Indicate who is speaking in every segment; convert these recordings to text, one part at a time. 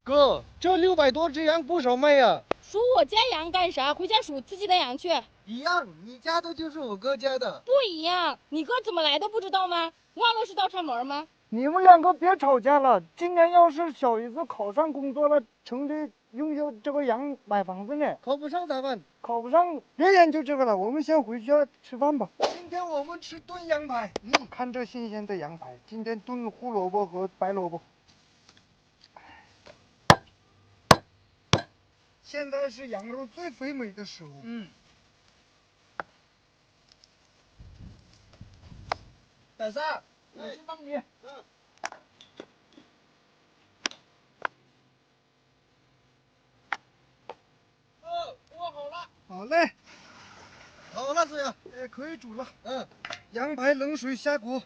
Speaker 1: 哥，这600多只羊不少卖呀。
Speaker 2: 数我家羊干啥？回家数自己的羊去。
Speaker 1: 一样，你家的就是我哥家的。
Speaker 2: 不一样，你哥怎么来的不知道吗？忘了是倒插门吗？
Speaker 3: 你们两个别吵架了。今年要是小姨子考上工作了，城里用这个羊买房子呢。
Speaker 1: 考不上咋办？
Speaker 3: 考不上，别研究这个了，我们先回去吃饭吧。今天我们吃炖羊排，看这新鲜的羊排，今天炖胡萝卜和白萝卜。现在是羊肉最肥美的时候。
Speaker 1: 百三，
Speaker 3: 我去帮你。
Speaker 1: 握好了。
Speaker 3: 好嘞，
Speaker 1: 好了，子阳。
Speaker 3: 可以煮了。
Speaker 1: 嗯，
Speaker 3: 羊排冷水下锅，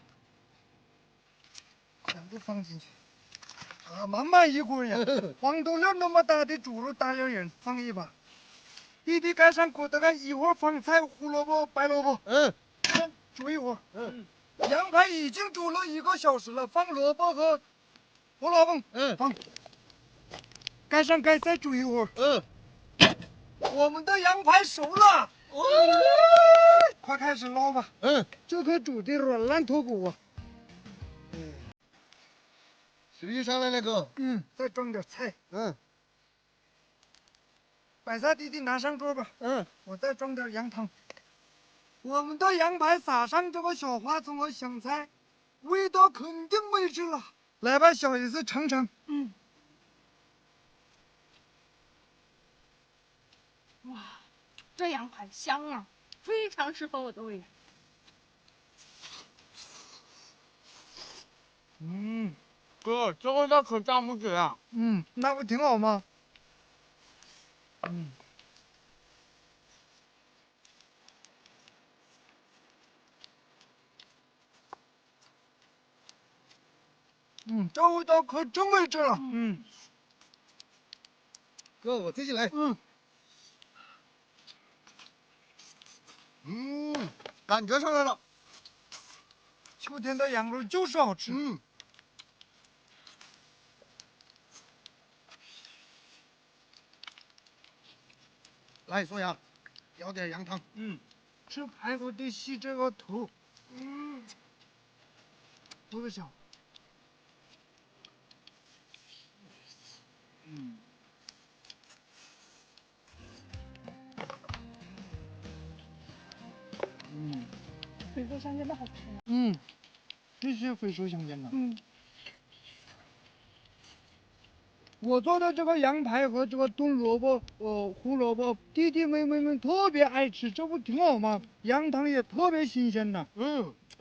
Speaker 3: 全部放进去。啊，慢慢一锅呀。黄豆粒那么大的猪肉大两人，放一把。弟弟盖上锅，大概一会儿放菜、胡萝卜、白萝卜。先煮一会儿。羊排已经煮了1个小时了，放萝卜和胡萝卜。放。盖上盖，再煮一会儿。我们的羊排熟了。快开始捞吧。这可煮的软烂脱骨啊。
Speaker 1: 水就上来了，哥。
Speaker 3: 再装点菜。百萨弟弟拿上桌吧。我再装点羊汤。我们的羊排撒上这个小花葱和香菜，味道肯定美极了。来吧，小姨子尝尝。
Speaker 2: 哇，这羊排香啊，非常适合我的胃。
Speaker 4: 哥，这味道可赞不绝啊！
Speaker 3: 那不挺好吗？这味道可真美极了。
Speaker 1: 哥，我自己来。感觉上来了。
Speaker 3: 秋天的羊肉就是好吃。
Speaker 1: 来，宋阳，舀点羊汤。
Speaker 3: 吃排骨得吸这个头。多香。
Speaker 2: 水豆香真的好吃啊。
Speaker 3: 必须回收香煎的。我做的这个羊排和这个炖萝卜、胡萝卜，弟弟妹妹们特别爱吃，这不挺好吗？羊汤也特别新鲜的。